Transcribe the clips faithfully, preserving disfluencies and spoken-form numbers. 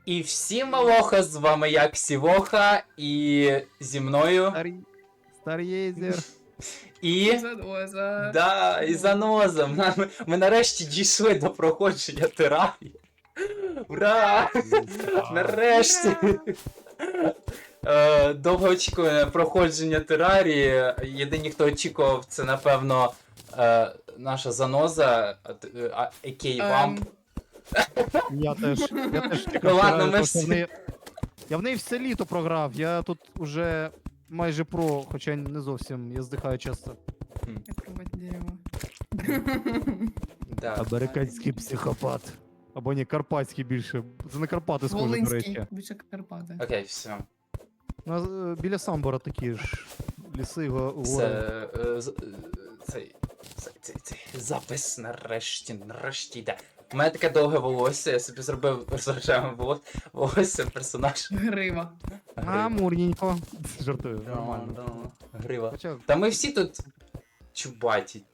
І всім малоха, з вами я Ксівоха, і зі мною. Старий... Стар'єзер. І. Заноза. Да, і заноза. Ми, ми нарешті дійшли до проходження терапії. Ура! Нарешті! Е, Довгоочікуване проходження терарії. Єдині, хто очікував, це напевно е, наша заноза, Екей Вамп. Я теж, я теж чекав. Ну ладно, терарію, ми тому що всі- в неї- Я в неї все літо програв, я тут уже майже про, хоча не зовсім, я здихаю часто. Як рубать дерево. Да. Американський психопат. Або ні, карпатський більше. Це на Карпати схоже, до Волинський, речі. більше Карпати. Окей, все. Ну, е, біля Самбора такі ж ліси, го- Це, гори. е, з- е, цей, цей, цей, цей запис нарешті, нарешті йде. У мене таке довге волосся, я собі зробив з рожевим волос- волосся персонаж. Грива. А, мурненько. Жартую, нормально. Нормально. Грива. Хоча Та ми всі тут чубаті.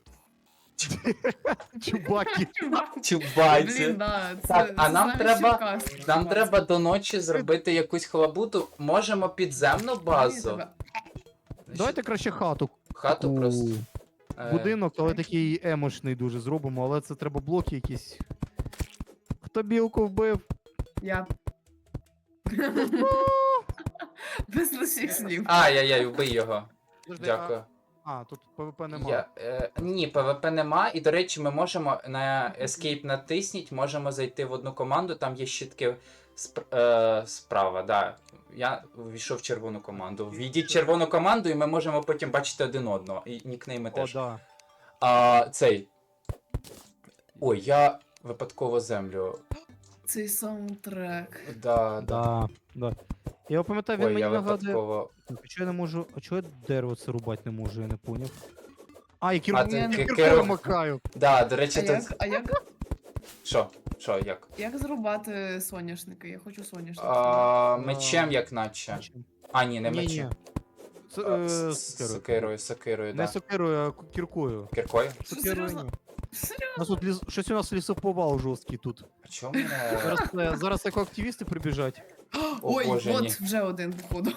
чубаки. Чубаті. Блін, да, це, Так, а це нам навіть треба- Черкас. Нам Черкас. треба до ночі зробити якусь халабуту. Можемо підземну базу. Тебе. Давайте краще хату. Хату таку, просто. Е, Будинок, але такий емошний дуже зробимо, але це треба блоки якісь. Хто білку вбив? Я. Без лишніх слів. Ай-яй-яй, убий його. Подожди, Дякую. А, а, тут ПВП нема. Я, е, ні, ПВП нема, і до речі, ми можемо на Escape натисніть, можемо зайти в одну команду, там є щитки сп, е, справа, да. Я ввійшов в червону команду. Ввійдіть в червону команду, і ми можемо потім бачити один одного. І нікнейми О, теж. да. А цей. Ой, я випадково землю. Цей саундтрек. Да, да. Да, да. Я пам'ятаю, він Ой, мені я нагадує. випадково. Чого я не можу. А чого я дерево це рубати не можу, я не поняв. А, і А кірку ти Ні, ки- кіркою керу- макаю. Да, до речі, А тут. як, а як, Що? Що, як? як зрубати соняшники? Я хочу соняшники. А, А, мечем, як наче. А, ні, не Ні, ні. мечем. Це, А, е, с- с- сокирою. Сокирою, сокирою, Не да. сокирою, а ку- кіркою. Кіркою? Сокирою серйозно? ні. Серйозно? У нас тут ліс... щось у нас лісоповал жорсткий тут. А чому мене. Зараз, е, зараз як активісти прибіжать. О, Ой, Боже, от ні. вже один, походу.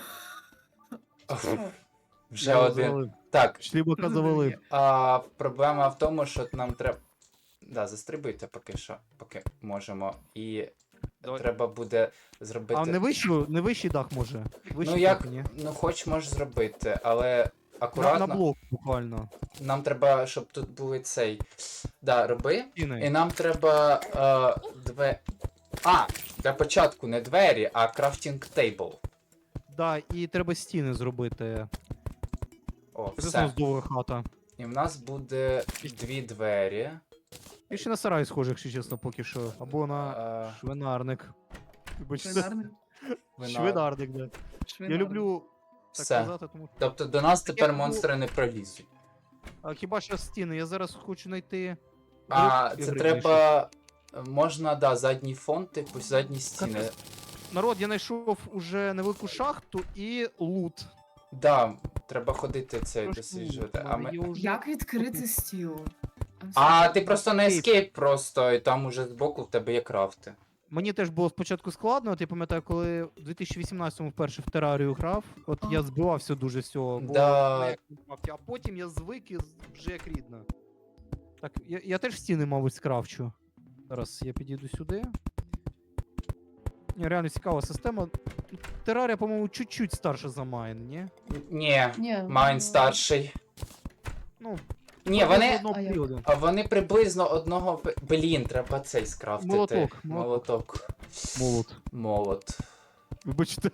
Вже Я один. завалив. Так, Шлібака завалив. а, проблема в тому, що нам треба. Да, застрибуйте поки що, поки можемо. І Давай. треба буде зробити. А не вищу, не вищий дах може. Вищий Ну як, дах, ні. ну хоч можеш зробити, але На, акуратно. на блок буквально. Нам треба, щоб тут були цей. Да, роби. І Стіни. нам треба. Е, две... А! Для початку не двері, а крафтінг тейбл. Да, і треба стіни зробити. О, Це все. знову здорова хата. І в нас буде дві двері. І ще на сарай схоже, якщо чесно, поки що. Або на Е, швинарник. Вибачте. Швинарник. вина- Швинарник, да. Я Швинарник. люблю так Все. казати, тому що. Тобто до нас тепер Я буду- монстри не пролізуть. А хіба що стіни? Я зараз хочу знайти. А, Гриб це і треба. Можна, да, задній фон, типу, задні стіни. Народ, я знайшов уже невелику шахту і лут. Да, треба ходити цей Трошки досліджувати. лут, А, але ми... я вже- Як відкрити стіл? а ти просто на Escape. escape просто, і там уже збоку в тебе є крафти. Мені теж було спочатку складно, от я пам'ятаю, коли в дві тисячі вісімнадцятому вперше в терарію грав, от А. я збивався дуже з цього, бо Да. ну, як не мав, а потім я звик і з- вже як рідно. Так, я, я теж стіни, мабуть, скрафчу. Зараз я підійду сюди. Ні, реально цікава система. Терарія, по-моєму, чуть-чуть старша за Майн, ні? Ні, Ні, Майн ну, старший. Ну, Ні, вони. одного А як? періоду. А вони приблизно одного. п- Блін, треба цей скрафтити. Молоток, молоток. Молоток. Молот. Молот. Вибачте,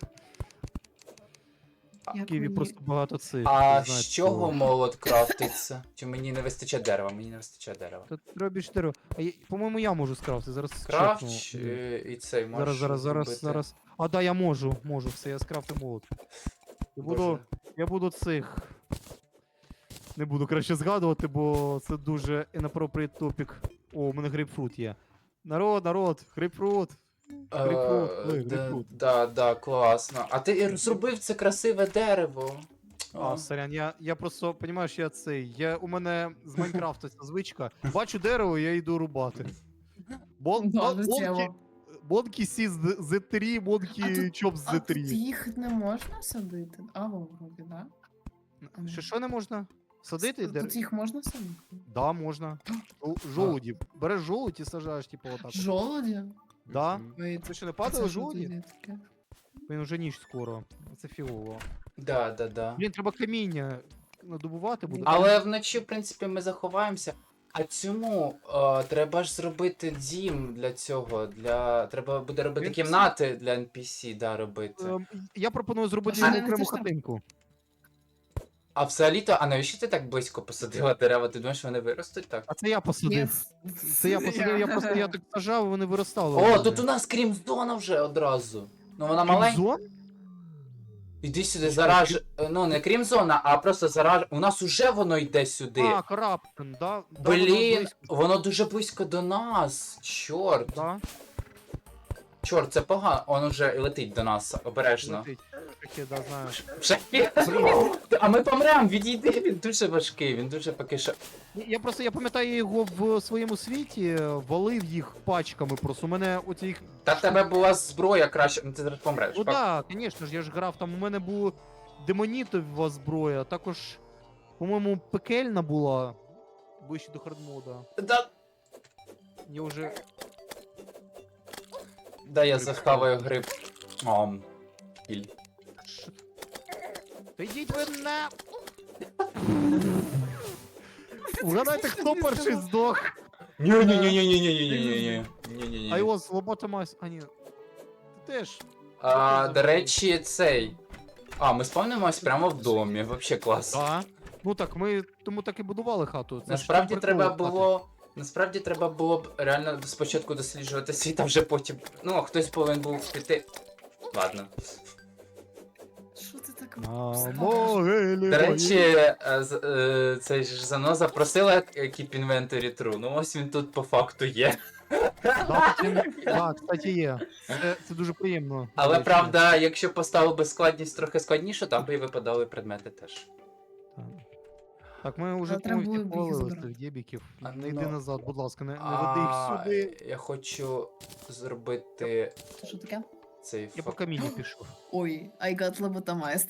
Як в Києві мені- просто багато цих. А ви з знаєте, чого того. молот крафтиться? Чи мені не вистачає дерева? Мені не вистачає дерева. Та треба більше дерева. А я- по-моєму, я можу скрафтити. Зараз Крафт чекну. е, і цей можеш. Зараз, зараз, зараз, зробити. зараз. А, да, я можу, можу, все, я скрафтив молот. Я буду, Боже. я буду цих. Не буду краще згадувати, бо це дуже inappropriate topic. О, у мене грейпфрут є. Народ, народ, грейпфрут. Грейпфрут, Е, ой, да, грейпфрут. да, да, класно. А ти зробив це красиве дерево. А, сорян, я, я просто, понімаєш, я цей. Я, у мене з Майнкрафту ця звичка. Бачу дерево, я йду рубати. Бол, Да, бол- життєво. болті, Монкі Сі з зет три, А Монкі тут- Чоп з А зет тут три. їх не можна садити? А, во, вроді, да? Що, що не можна? Садити? Тут- Де- Тут їх можна садити? Да, можна. Жол- Жолуді. Береш жолудь і сажаєш, типу, отак. от. Жолоді? Да. Мгм. Ой, Ви що, не а падали це що жолуді? тоді таке? Він вже ніч скоро. Це фігово. Да, да, да. Блін, треба каміння надобувати буде. Але вночі, в принципі, ми заховаємося. А цьому е, треба ж зробити дім для цього. Для... Треба буде робити Ен пі сі? кімнати для ен пі сі, да, робити. Ем, Я пропоную зробити А що, йому не окрему хочеш там? хатинку. А взагалі-то, а навіщо ти так близько посадила дерева? Ти думаєш, вони виростуть так? А це я Ні, посадив. Це я посадив, я просто я так сажав, і вони виростали. у О, мене. тут у нас крім-зона вже одразу. Ну вона маленька. Крімзон? Іди сюди, зараж. Ну не крім-зона, а просто зараж. У нас уже воно йде сюди. А, Караптен, да? Да, воно Блін, близько, воно дуже близько до нас. Чорт. Да, Чорт, це погано. Он уже летить до нас, обережно. летить. Таке, да, знаю. Шахі. А ми помрем, відійди, він дуже важкий, він дуже поки що. Я просто, я пам'ятаю, я його в своєму світі е, валив їх пачками просто. У мене оці їх... Та в тебе була зброя краще, ну ти зараз помреш. Ну Пак- так, да, звісно ж, я ж грав, там у мене була демонітова зброя, також, по-моєму, пекельна була, ближче до хардмода. Да, Я вже... да я Гриб. захаваю гриб. Ом. Іль. Ш- Та йдіть ви на... Угадайте, хто перший здох? Ні-ні-ні-ні-ні-ні-ні-ні-ні. I Ні-ні-ні. was lobotomized. А ні. Ти теж. А, до речі, цей. А, ми спавнимось прямо в домі, вообще клас. Да. Ну так, ми тому так і будували хату. Це ж Насправді прикол треба хати. було. Насправді треба було б реально спочатку досліджувати світ, а вже потім. Ну, хтось повинен був піти. Ладно. Що ти так На вставиш? могилі До моїй. речі, е, з- е, цей ж заноза просила Keep Inventory True. Ну ось він тут по факту є. Да, таки- да, кстати, є. Це, це дуже приємно. до Але речі. правда, якщо поставив би складність трохи складніше, там би і випадали предмети теж. Так. Так, ми вже Але треба повністю було б їх повалили з забрати. тих дебіків. А, Не йди ну. назад, будь ласка, не, не веди їх А, сюди. я хочу зробити Це що таке? цей Я по фак. камінню пішов. Ой, I got lobotomized.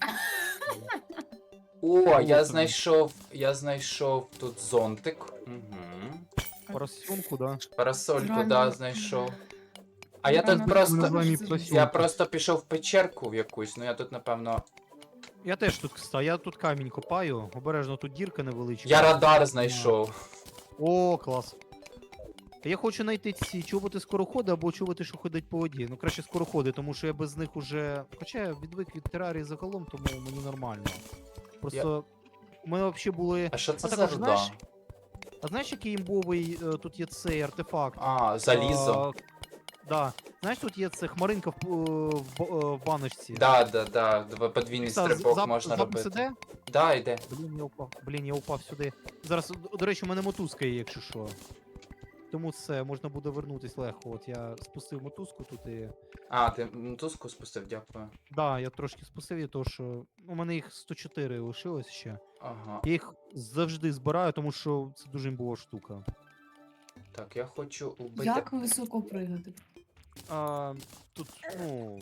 О, О, я тобі. знайшов. Я знайшов тут зонтик. Угу. Поросенку, да. Парасольку, Реально. да, знайшов. А я Реально тут Ми просто. називаємо її Я поросенку. Я просто пішов в печерку в якусь, ну я тут напевно. Я теж тут, кстати, я тут камінь копаю. Обережно, тут дірка невеличка. Я радар знайшов. О, клас. Я хочу знайти ці чоботи скороходи або чоботи, що ходять по воді. Ну краще скороходи, тому що я без них уже. Хоча я відвик від терарії загалом, тому мені нормально. Просто у мене взагалі були. А що це А за також, руда? знаєш, А знаєш, який імбовий е, тут є цей артефакт? А, залізо. А, да. Знаєш, тут є це хмаринка в, е, в, б- е, в баночці. Да, да, да. Дв- Подвійний Та, стрибок зап- можна запис робити. іде? Да, йде. Блін, я упав. Блін, я упав сюди. Зараз, до, до речі, у мене мотузка є, якщо що. Тому це можна буде вернутись легко. От я спустив мотузку тут і. А, ти мотузку спустив, дякую. Да, я трошки спустив її, тому що у мене їх сто чотири лишилось ще. Ага. Я їх завжди збираю, тому що це дуже імбова штука. Так, я хочу убити. Як високо пригати? А, тут, ну.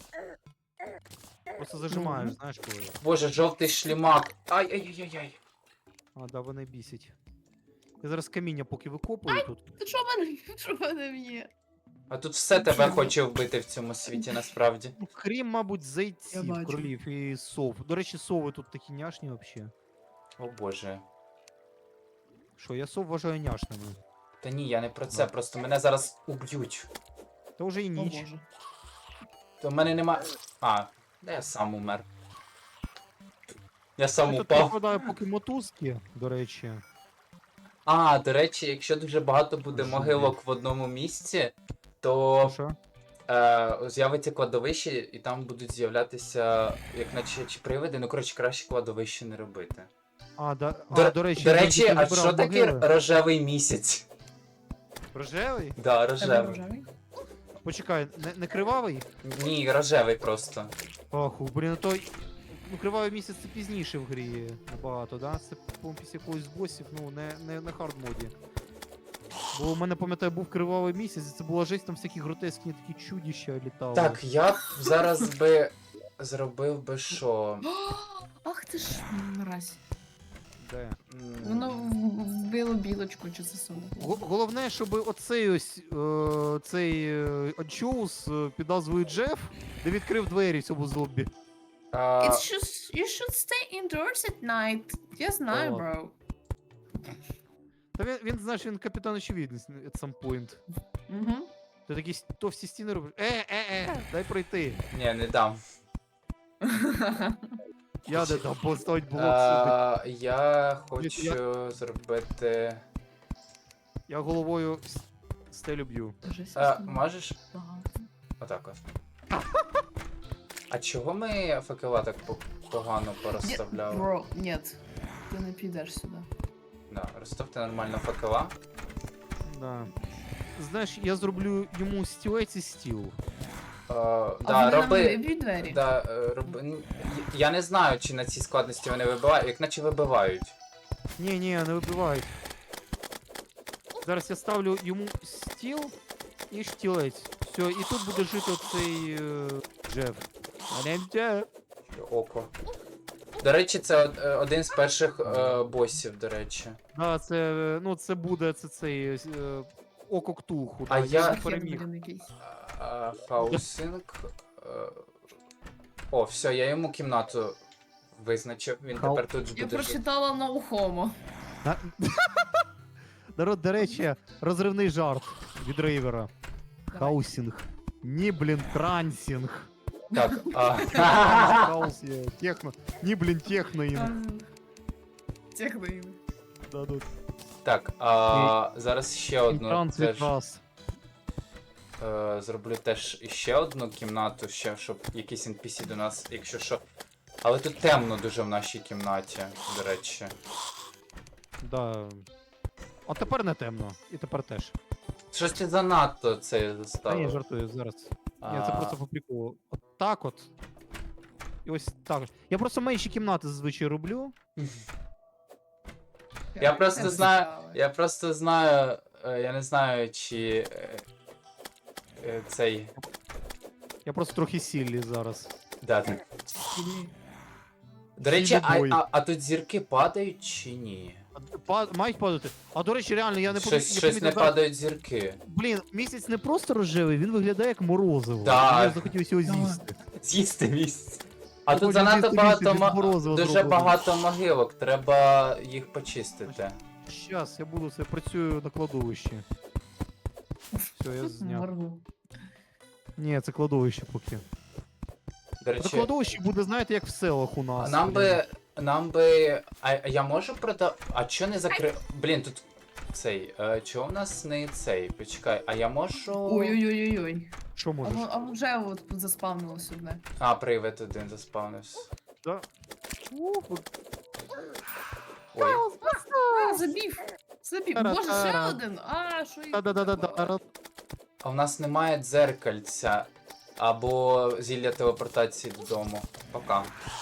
Просто зажимаєш, Мгм. знаєш коли. Боже, жовтий шлімак. Ай-яй-яй-яй. А, да, вони бісять. Я зараз каміння поки викопую тут. Ти що в мене? Що в мене є? А тут все тебе хоче вбити в цьому світі, насправді. Ну, крім, мабуть, Я зайців, бачу. кролів і сов. До речі, сови тут такі няшні взагалі. О боже. Що, я сов вважаю няшними. Та ні, я не про це, просто мене зараз уб'ють. Та вже і О ніч. боже. То в мене нема. А, да я сам умер. Я сам Я тут упав. прикладаю поки мотузки, до речі. А, до речі, якщо дуже багато буде Що могилок в одному місці, то Що? е, з'явиться кладовище, і там будуть з'являтися, як наче чи привиди, ну коротше, краще кладовище не робити. А, да, До, а, до речі, до я речі, тільки а вибирав що таке могили. рожевий місяць? Рожевий? Да, Тебе рожевий. рожевий? Почекай, не, не кривавий? Ні, рожевий просто. Оху, блін, то. Ну, кривавий місяць це пізніше в грі набагато, да? Це, по-моєму, після якогось з босів, ну, не, не на хард моді. Бо у мене, пам'ятаю, був кривавий місяць, і це була жесть, там всякі гротескні такі чудища літали. Так, я б зараз би зробив би що? Ах ти ж мразь. Де? М, Воно в- вбило білочку чи засунуло. Го- Головне, щоб оцей ось е, цей е, анчоус е, під назвою Джеф, де відкрив двері в цьому зомбі. а, It's just, you should stay indoors at night. Я знаю, Та бро. Та він, він знаєш, він капітан очевидність at some point. Угу. Ти такі с- товсті стіни робиш. Е, е, е, дай пройти. Ні, не дам. Я не дам поставить блок сюди. А, я Дивіться, я- хочу зробити. Я головою с- стелю б'ю. А, можеш? Багато. Отак от. А чого ми факела так по- погано порозставляли? Бро, нет. Ти не підеш сюди. Да, розставте нормально факела. Да. Знаєш, я зроблю йому стілець і стіл. Е, А да, вони нам роби. виб'ють двері? Да, е, роби. н- Я не знаю, чи на цій складності вони вибивають, як наче вибивають. Ні, ні, не вибивають. Зараз я ставлю йому стіл і штілець. Все, і тут буде жити оцей е, Джеф. Алем-Джеф. Око. До речі, це од- е, один з перших е, босів, до речі. Да, це, е, ну, це буде це цей е, око ктулху. А да, я- його Хер, переміг. блін, якийсь. А, хаусинг. е, О, все, я йому кімнату визначив. Він Хау- тепер тут Я буде жити. прочитала на Homo. На- Народ, до речі, розривний жарт від Рейвера. Хаусінг. Ні, блін, трансінг. Так, а, Хаус є, техно. Ні, блін, техноінг. Техноїм. Да, да. так, а, зараз ще одну Транс теж від раз. е, зроблю теж ще одну кімнату, ще, щоб якийсь ен пі сі до нас, якщо що. Але тут темно дуже в нашій кімнаті, до речі. Да. А тепер не темно. І тепер теж. Щось ти занадто це Та ні, заставив. жартую, зараз. Ні, А, це просто по приколу. От так от. І ось так. Я просто менші кімнати зазвичай роблю. Я просто Це знаю- цікаво. Я просто знаю, е, я не знаю, чи е, е, цей. Я просто трохи сіллі зараз. Да, так. Сильні. До речі, а, Сильний бой. а, а тут зірки падають чи ні? А, па- мають падати. А до речі, реально, я не Щось, помі- щось помітив не зараз- падають зірки. Блін, місяць не просто рожевий, він виглядає як морозиво. Так. Мені захотілося його Так. з'їсти. З'їсти місце. А Я тут хочу занадто з'їсти багато місце від ма... морозива дуже зробленого. багато могилок, треба їх почистити. Щас, я буду це працюю на кладовищі. Все, я зняв. Моргу. Ні, це кладовище поки. До На речі, кладовищі буде, знаєте, як в селах у нас. нам блін. би. Нам би. А, а я можу продав. А чо не закри. Блін, тут цей. Е, чого в нас не цей? Почекай, а я можу. Ой-ой-ой-ой. Що А, можеш? во- а вже от тут заспавнилось одне. А, привид один заспавнився. Да. Ой. А, забів. Забів. Боже, ще Тара-тара. один. А, що їх Да-да-да-да-да. А в нас немає дзеркальця або зілля телепортації додому. Пока.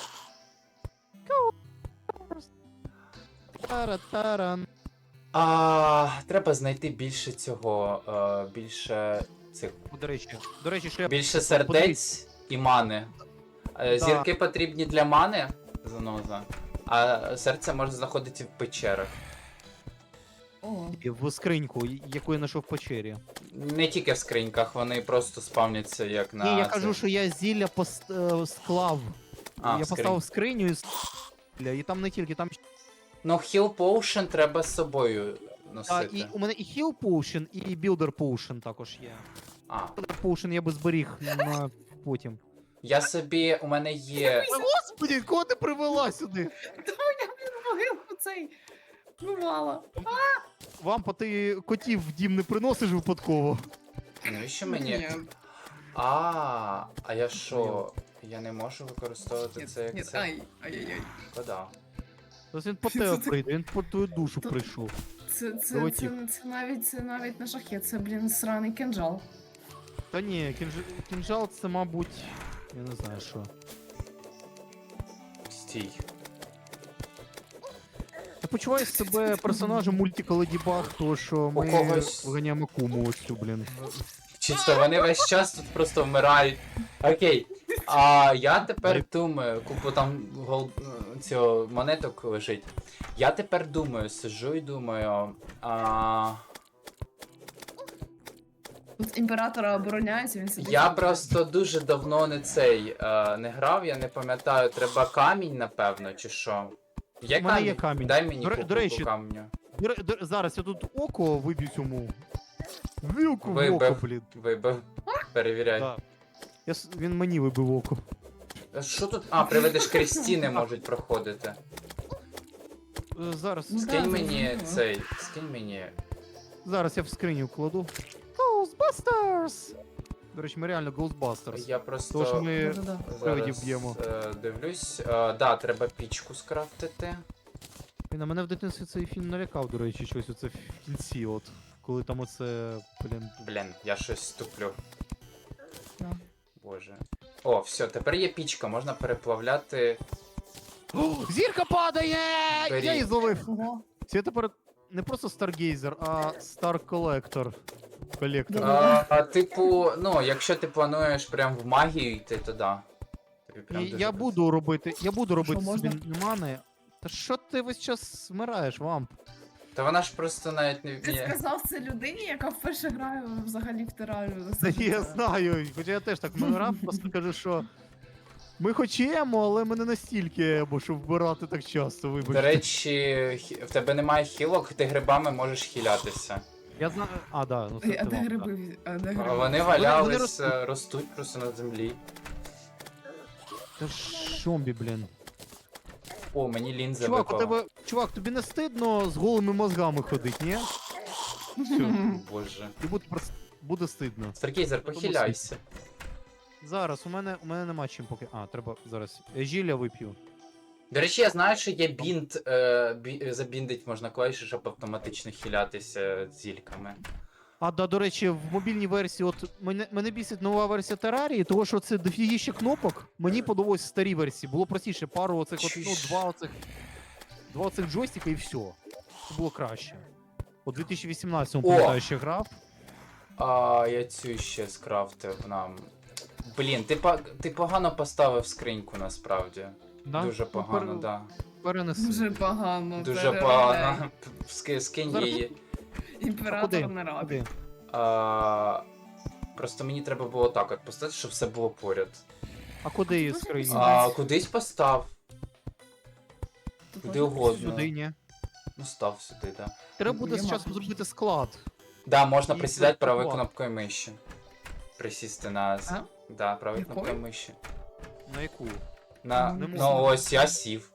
Тара-таран. А, треба знайти більше цього. Е, більше цих. О, До речі, до речі, що я Більше сердець і мани. Е, Да. Зірки потрібні для мани, заноза, а серце може знаходити в печерах. О, в скриньку, яку я знайшов в печері. Не тільки в скриньках, вони просто спавняться як на. Ні, я це. кажу, що я зілля пост... е, склав. А, я в скринь. поставив скриню і с- і там не тільки, там Ну, Heal Potion треба з собою а, носити. і у мене і Heal Potion, і Builder Potion також є. А, Builder Potion я би зберіг на потім. я собі, у мене є. Господи, кого ти привела сюди? я, блін, могилку цей. Ну, мало. Вам по ти котів в дім не приносиш випадково. Навіщо мені? Ні. А, а я що? Я не можу використовувати Ні, це як ні, це. ай, ай-яй-яй. Шкода. Тобто він по тебе прийде, він по твою душу прийшов. Це, це, це, Долетів. це, навіть, це навіть не шахет, це, блін, сраний кинжал. Та ні, кінж... кінжал це, мабуть, я не знаю що. Стій. Та почуваю себе персонажем мультика Леді Баг, тому що ми когось- виганяємо куму ось цю, блін. Чисто вони весь час тут просто вмирають. Окей. А я тепер думаю, купу там гол... цього монеток лежить. Я тепер думаю, сиджу і думаю. А... Тут імператора обороняється, він сидить. Я просто дуже давно не цей е, не грав, я не пам'ятаю, треба камінь, напевно, чи що. Є У мене камінь? є камінь. Дай мені До ре- купу до речі, камню. До ре- до- Зараз я тут око виб'ю цьому. Вилку в Вибив. око, блін. Вибив. Перевіряй. Да. Я, с- він мені вибив око. А що тут? А, приведеш крізь стіни можуть проходити. Е, Зараз, Ну, Скинь да, мені зрозуміло. цей, скинь мені. зараз я в скриню кладу. Ghostbusters! До речі, ми реально Ghostbusters. Я просто Тож ми Да-да-да. привидів зараз б'ємо. е, дивлюсь. Е, да, треба пічку скрафтити. І на мене в дитинстві цей фільм налякав, до речі, щось оце в кінці, от. Коли там оце, блін. Блін, я щось ступлю. Да. Боже. О, все, тепер є пічка, можна переплавляти. О, зірка падає! Беріть. Я її зловив. Ого. Це тепер не просто Stargazer, а Star Collector. Колектор. А, а, типу, ну, якщо ти плануєш прям в магію йти, то да. Тобі прям І дуже я буду робити, я буду робити Що, собі можна? мани. Та що ти весь час вмираєш, вамп? Та вона ж просто навіть не Ти вміє. сказав це людині, яка вперше грає взагалі в терарію. Та ні, я знаю, хоча я теж так вмирав, просто кажу, що ми хочемо, але ми не настільки, бо щоб вбирати так часто, вибачте. До речі, хі- в тебе немає хілок, ти грибами можеш хілятися. Я знаю. А, да, ну це А ти де вамп, гриби? А де А гриби? вони вони валялись, ростуть. е, ростуть просто на землі. да. Це ж зомбі, блін. О, мені лінза Чувак, у випала. тебе. Чувак, тобі не стидно з голими мозгами ходить, ні? Все, Боже. і буде, просто- буде стидно. Старкейзер, Тому похиляйся. Зараз, у мене, у мене нема чим поки. А, треба зараз. Я Жілля вип'ю. До речі, я знаю, що є бінт, е, бі, забіндить можна клавіші, щоб автоматично хилятися зільками. А, да, до речі, в мобільній версії, от мене, мене бісить нова версія Терарії, тому що це дофігіще кнопок. Мені подобалось в старій версії. Було простіше, пару оцих, от, ну, Чуєш? два оцих. Два оцих джойстика і все. Це було краще. У дві тисячі вісімнадцятому, О! пам'ятаю, ще грав. А я цю ще скрафтив нам. Блін, ти, по- ти погано поставив скриньку насправді. Да? Дуже Ну, погано, пере- да. Перенеси. Дуже погано. Дуже переробляй. погано. Ски- Скинь Зараз її. Імператор не радий. Куди? А, просто мені треба було так от поставити, щоб все було поряд. А куди її Дуже скрині? пізно. А, кудись постав. Тут Куди можна- угодно. Сюди, ні. Ну став сюди, да. Треба буде Є з часом мапа. зробити склад. Да, можна І присідати правою практикувати. кнопкою миші. Присісти на. з- А? Да, правою Якою? кнопкою миші. На яку? На. Не Ну можна. ось я сів.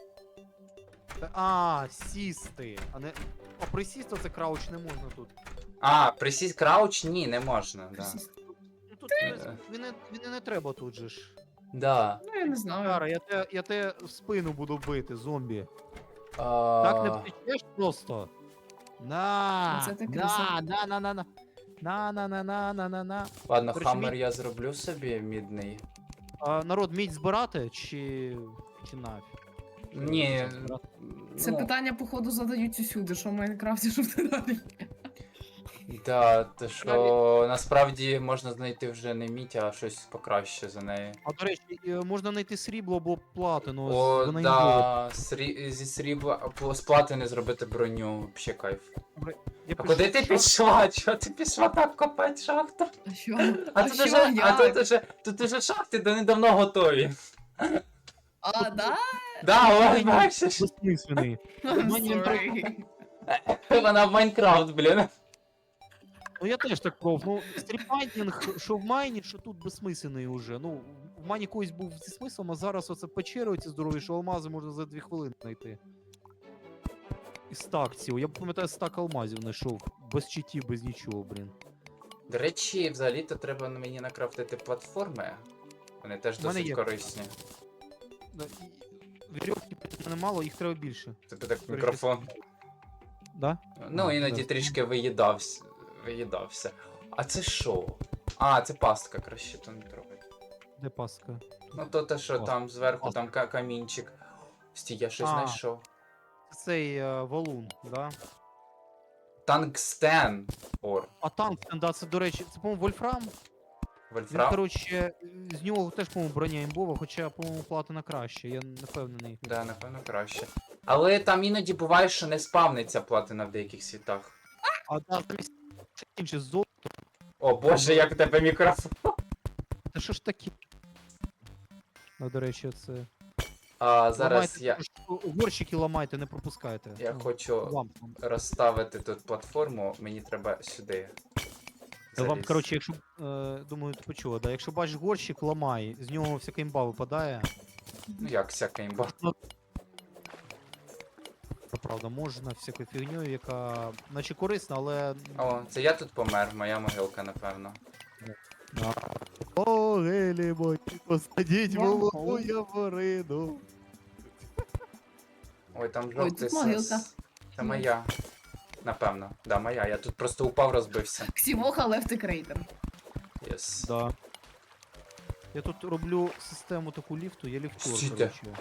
Та- А, сісти. А не. А присісти це крауч не можна тут. А, присість крауч? Ні, не можна, да. Ну тут він, він, не, він і не треба тут же ж. Да. Ну, я не знаю. Кара, я те, я те в спину буду бити, зомбі. А... Так не втечеш просто. На! Оце ти на, красава. на, на, на, на. На, на, на, на, на, на, на. Ладно, До речі, хаммер мій- я зроблю собі мідний. А, народ, мідь збирати чи. чи нафіг? Ні. Це ну, питання, походу, задають усюди, що в Майнкрафті, що в терарії. Да, то що насправді можна знайти вже не мідь, а щось покраще за неї. А до речі, е, можна знайти срібло або платину. О, вона да, срі... зі срібла а, з платини зробити броню, ще кайф. Я А куди ти пішла? Чого ти пішла так копати шахту? А що? А, А тут що, уже, а як? тут уже, тут уже шахти до недавно готові. А, да? Да, ось бачиш. Безсмислений. I'm Мені sorry. Вона в Майнкрафт, блін. Ну я теж так пробував. Ну, стрімайнінг, що в майні, що тут безсмислений уже. Ну, в майні колись був зі смислом, а зараз оце печери оці здорові, що алмази можна за дві хвилини знайти. І стак цілий. Я пам'ятаю, стак алмазів знайшов. Без читів, без нічого, блін. До речі, взагалі-то треба мені накрафтити платформи. Вони теж У мене досить є. корисні. Да, і- Вірьовки в мене мало, їх треба більше. Тобі так Корисні. мікрофон. Да? Ну, А, іноді да. трішки виїдався. виїдався. А це що? А, це пастка, краще то не трогай. Де паска? Ну то те, що О, там зверху пастка. там ка- камінчик. Стій, я щось А. знайшов. цей е, валун, да? Тангстен. Ор. А танк, да, це, до речі, це, по-моєму, Вольфрам. Він, Вольфрам? коротше, з нього теж, по-моєму, броня імбова, хоча, по-моєму, платина краще, я не впевнений. Да, напевно, краще. Але там іноді буває, що не спавниться платина в деяких світах. А да, замість інше золото. О боже, як у тебе мікрофон. Та що ж таке? Ну, до речі, це. А зараз Ламайте, я, також, горщики ламайте, не пропускайте. я Ну, хочу Вам. розставити тут платформу, мені треба сюди. Та вам, залізти. коротше, якщо, е, думаю, ти почула, да? Якщо бачиш горщик, ламай, з нього всяка імба випадає. Ну як всяка імба. Правда, можна всякою фігньою, яка наче корисна, але. О, це я тут помер, моя могилка, напевно. О, гелі мої, посадіть Вау. молоду яворину. Ой, там Ой, жовтий тут могилка. сос. Це моя. Напевно. Да, моя. Я тут просто упав, розбився. Ксімоха left the crater. Єс. Да. Я тут роблю систему таку ліфту, я ліфтур, Стійте. коротше.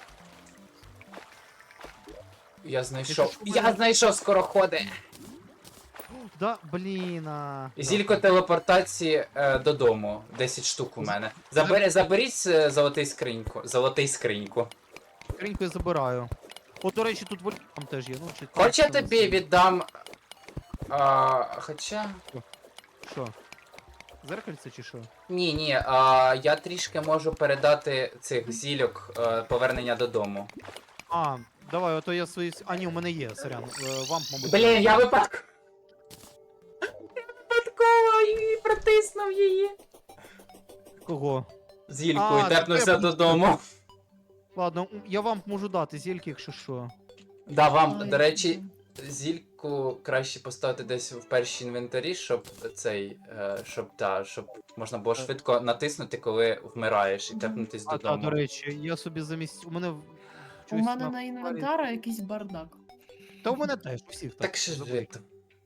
Я Якщо знайшов. ж у Я мене- знайшов скороходи! Да, блін. а, да. Зілько телепортації е, додому. десять штук у мене. Забери, заберіть е, золотий скриньку. Золотий скриньку. Скриньку я забираю. От, до речі, тут вольфрам теж є. Ну, чи Хоч я це не тобі знаю. віддам. А, хоча. Що? Зеркальце чи що? Ні, ні, а, я трішки можу передати цих зільок е, повернення додому. А, давай, ото я свої. А, ні, у мене є, сорян. Е, Вам, мабуть. Блін, я випадково. Я випадково і протиснув її. Кого? Зількою А, тепнувся це я буду- додому. Ладно, м, я вам можу дати зільки, якщо що. Да, вам, Ой, до речі, зільку краще поставити десь в першій інвентарі, щоб цей. Е, щоб та, щоб можна було швидко натиснути, коли вмираєш, і Мгм. тепнутись А, та, додому. до речі, я собі замість. У мене. в- У чогось мене на- на інвентарі якийсь бардак. Та у мене теж, у всіх так. Так що забудь. жити.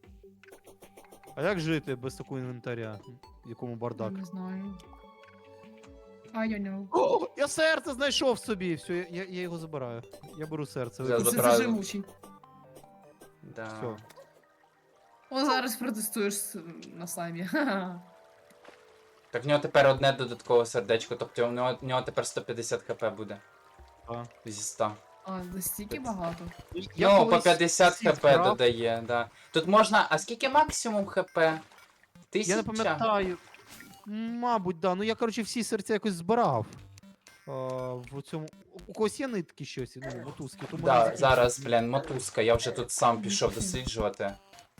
А як жити без такого інвентаря? В якому бардак? Не знаю. I don't know. О, я серце знайшов собі! Все, я, я, я його забираю. Я беру серце. Я вибачте. Це забрав. це живучий. Да. Всьо. О, зараз протестуєш с- на слаймі. Ха-ха. Так в нього тепер одне додаткове сердечко, тобто в нього, в нього тепер сто п'ятдесят хп буде. А. Зі ста. А, настільки багато. Я Ну, по колись п'ятдесят всі хп вкрав. додає, да. Тут можна. А скільки максимум хп? Тисяча? Я не пам'ятаю. Мабуть, да. Ну я, коротше, всі серця якось збирав. А, в цьому. У когось є нитки щось, ну, мотузки, тому Да, не зараз, блін, мотузка, я вже тут сам пішов досліджувати.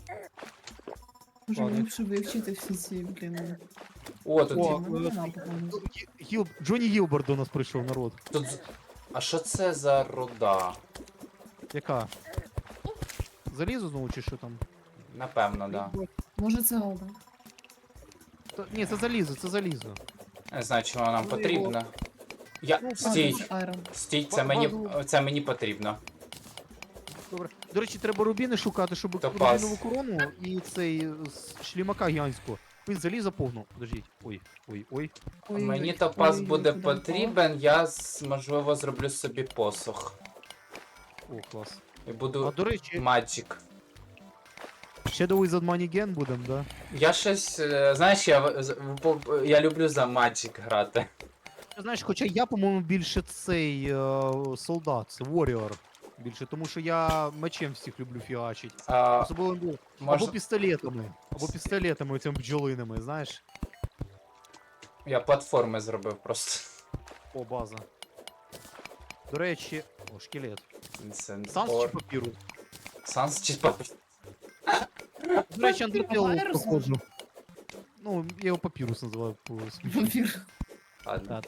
Може Ладно. ліпше вивчити всі ці, блін. О, тут, О, Мене нема, по-моєму. Гіл... Джонні Гілберт до нас прийшов, народ. тут. з- А що це за руда? Яка? Залізо знову чи що там? Напевно, да. Може це голда. Та- Ні, це залізо, це залізо. Не знаю, чого нам Ну, потрібно. Я. Ну, Стій, Це айрон. стій, це Ба- мені. базу. Це мені потрібно. Добре. До речі, треба рубіни шукати, щоб Топаз. рубінову корону і цей з шлімака гігантського. Він залізо повну. Подождіть. Ой, ой, ой. Ой-ой-ой. Мені топаз Ой-ой-ой, буде куди впала? потрібен, я з- можливо зроблю собі посох. О, клас. І А буду до речі, Magic. Shadow Wizard Money Gen будем, да? Я щось. е, Знаєш, я, в- з- в- я люблю за Magic грати. Ти знаєш, хоча я, по-моєму, більше цей е, солдат, це Warrior. Більше, тому що я мечем всіх люблю фігачить. А, Особливо ну, або можна... пістолетами. Або пістолетами цими бджолинами, знаєш? Я платформи зробив просто. О, база. До речі, о, шкелет. Інсенс. Санс чи папірус? Санс чи папір. До речі, Андертейл Папірус? проходжу. Ну, я його папірус називаю по смішно. Вампір. Ладно.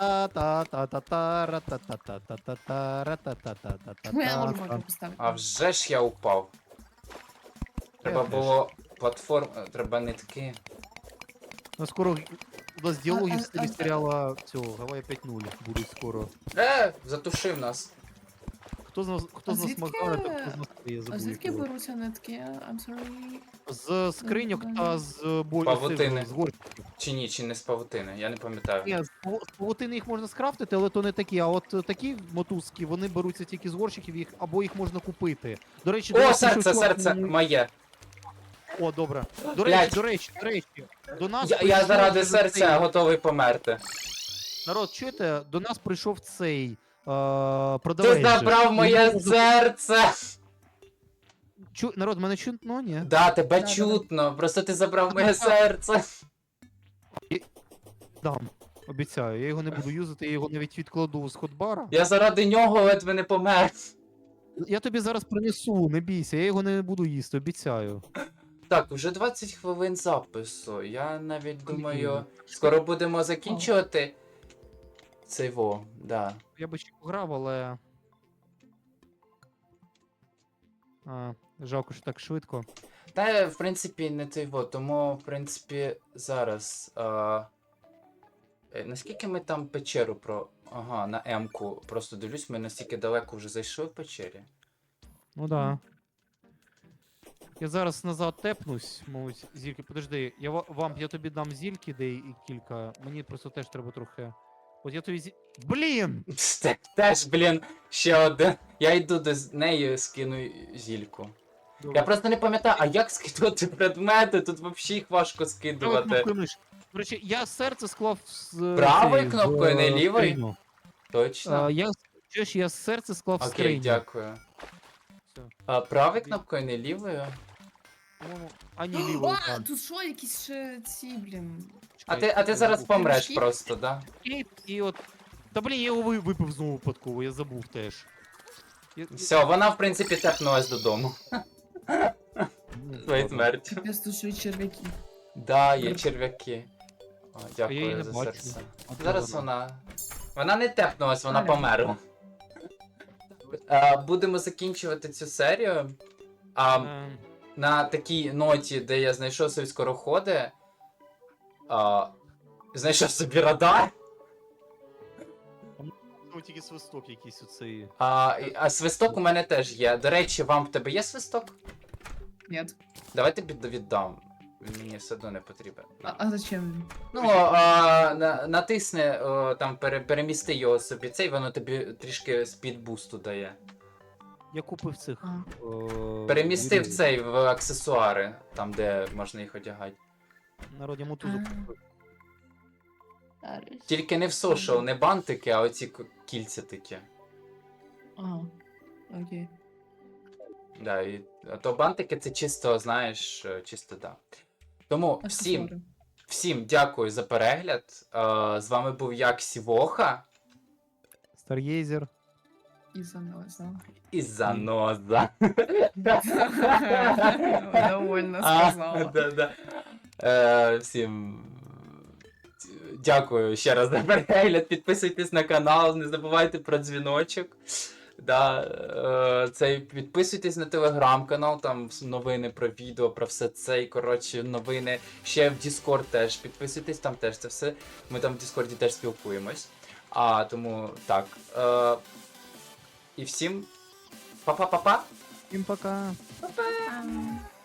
Ну, я не можу бака поставити. А вже ж я упав. Треба теж. було платформ. Треба нитки. Ну, скоро у нас діалоги А- в а- стилі а- серіала цього Гавайя п'ять нуль будуть скоро. Е, затушив нас. Хто з нас, хто А з нас звідки- Макдональд, а хто з нас я А забув. звідки якого. беруться нитки? I'm sorry. З скриньок та з бой... Павутини. з горщиків. Чи ні, чи не з павутини, я не пам'ятаю. Ні, з паву- з павутини їх можна скрафтити, але то не такі. А от е, такі мотузки, вони беруться тільки з горщиків, їх або їх можна купити. До речі, до О, нас серце, прийшов чувак, серце ну, моє. О, добре. До Блядь. речі, до речі, до речі, до нас Я, я прийшов заради вже серця цей- готовий померти. Народ, чуєте, до нас прийшов цей е, Ти продавець. же. забрав моє Йому- серце! Чу... Народ, мене чутно, ні? Да, тебе Да-да-да. чутно, просто ти забрав моє серце. Дам. Обіцяю, я його не буду юзати, я його навіть відкладу з ходбара. Я заради нього ледве не помер. Я тобі зараз принесу, не бійся, я його не буду їсти, обіцяю. Так, вже двадцять хвилин запису. Я навіть думаю, Блін. скоро будемо закінчувати. Цей во, да. Я би ще пограв, але. А, жалко, що так швидко. Та, в принципі, не той во, тому, в принципі, зараз. А... е, Наскільки ми там печеру про. Ага, на М-ку. Просто дивлюсь, ми настільки далеко вже зайшли в печері. Ну да. Я зараз назад тепнусь, мовить, зільки. Подожди, я ва- вам, я тобі дам зільки, де і кілька. Мені просто теж треба трохи. От я тобі зі. Блін! Те- Теж, блін, ще один. Я йду до з- неї, скину зільку. Я просто не пам'ятаю, а як скидувати предмети? Тут взагалі їх важко Правою скидувати. кнопкою миші. До речі, я серце склав з. е, Правою цей, в, кнопкою, не е, лівою? скриню. Точно? А, я, чуєш, я серце склав в Окей, скриню. дякую. Все. А правою кнопкою, не лівою? По-моєму, а ні, лівою. А, так. тут що, якісь ще ці, блін. А Чекай, ти, а ти я зараз забув. помреш Пиріжки? просто, да? І, і от. Та блін, я його ви- випив знову випадково, я забув теж. Я- Все, вона, в принципі, тепнулась додому. Ну, Своєю ладно. смертю. Капець, тут ще й черв'яки. Да, є черв'яки. О, я її дякую не за бачу. серце. А де Зараз вона? вона. Вона не тепнулась, вона Аля. померла. А, будемо закінчувати цю серію. А, Ем, на такій ноті, де я знайшов собі скороходи. А, знайшов собі радар. Ну, тільки свисток якийсь оцей. А, і- а свисток у мене теж є. До речі, вам в тебе є свисток? Ні. Давай тобі віддам. Він мені все одно не потрібен. А, а зачем він? Ну, а, на, натисни, о, там пере, перемісти його собі цей, воно тобі трішки спідбусту дає. Я купив цих. А. е, Перемістив вірів. цей в аксесуари, там де можна їх одягати. Народ, я мотузок А. купив. Тільки не в сошел, не бантики, а оці к- кільця такі. Ага. Окей. Да, і, а то бантики це чисто, знаєш, е, чисто да. Тому всім, Аксесуари. всім дякую за перегляд. Е, з вами був як Сівоха Стар'єзер. І заноза. і Заноза. Довольно А, сказала. да, да. Е, всім дякую ще раз за перегляд. Підписуйтесь на канал, не забувайте про дзвіночок. Да, е, цей, підписуйтесь на телеграм-канал, там новини про відео, про все це. І, коротше, новини. Ще в Discord теж. Підписуйтесь, там теж це все. Ми там в Discord теж спілкуємось. А, тому так. Е, і всім па-па-па-па! Всім пока. Ам.